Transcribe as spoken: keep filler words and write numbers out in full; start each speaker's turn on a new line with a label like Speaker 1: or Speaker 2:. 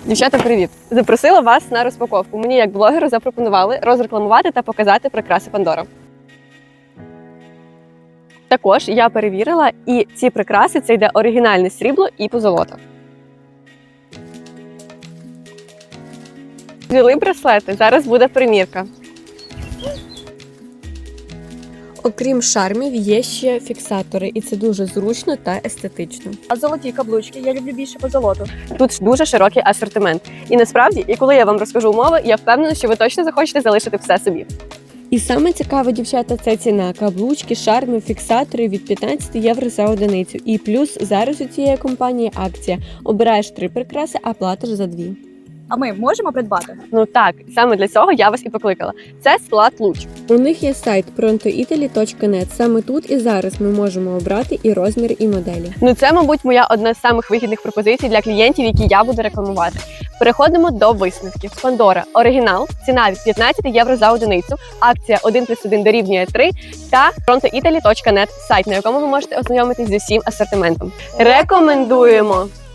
Speaker 1: Дівчата, привіт! Запросила вас на розпаковку. Мені як блогеру запропонували розрекламувати та показати прикраси Pandora. Також я перевірила, і ці прикраси – це йде оригінальне срібло і позолота. Взяли браслети, зараз буде примірка. Окрім шармів, є ще фіксатори, і це дуже зручно та естетично.
Speaker 2: А золоті каблучки я люблю більше по золоту.
Speaker 1: Тут дуже широкий асортимент. І насправді, і коли я вам розкажу умови, я впевнена, що ви точно захочете залишити все собі. І саме цікаве, дівчата, це ціна. Каблучки, шарми, фіксатори від п'ятнадцять євро за одиницю. І плюс зараз у цієї компанії акція. Обираєш три прикраси, а платиш за дві.
Speaker 2: А ми можемо придбати?
Speaker 1: Ну так, саме для цього я вас і покликала. Це склад луч. У них є сайт пронто італі точка нет. Саме тут і зараз ми можемо обрати і розмір, і моделі. Ну це, мабуть, моя одна з самих вигідних пропозицій для клієнтів, які я буду рекламувати. Переходимо до висновків. Pandora оригінал, ціна від п'ятнадцять євро за одиницю, акція один плюс один дорівнює три та пронто італі точка нет, сайт, на якому ви можете ознайомитись зі всім асортиментом. Рекомендуємо!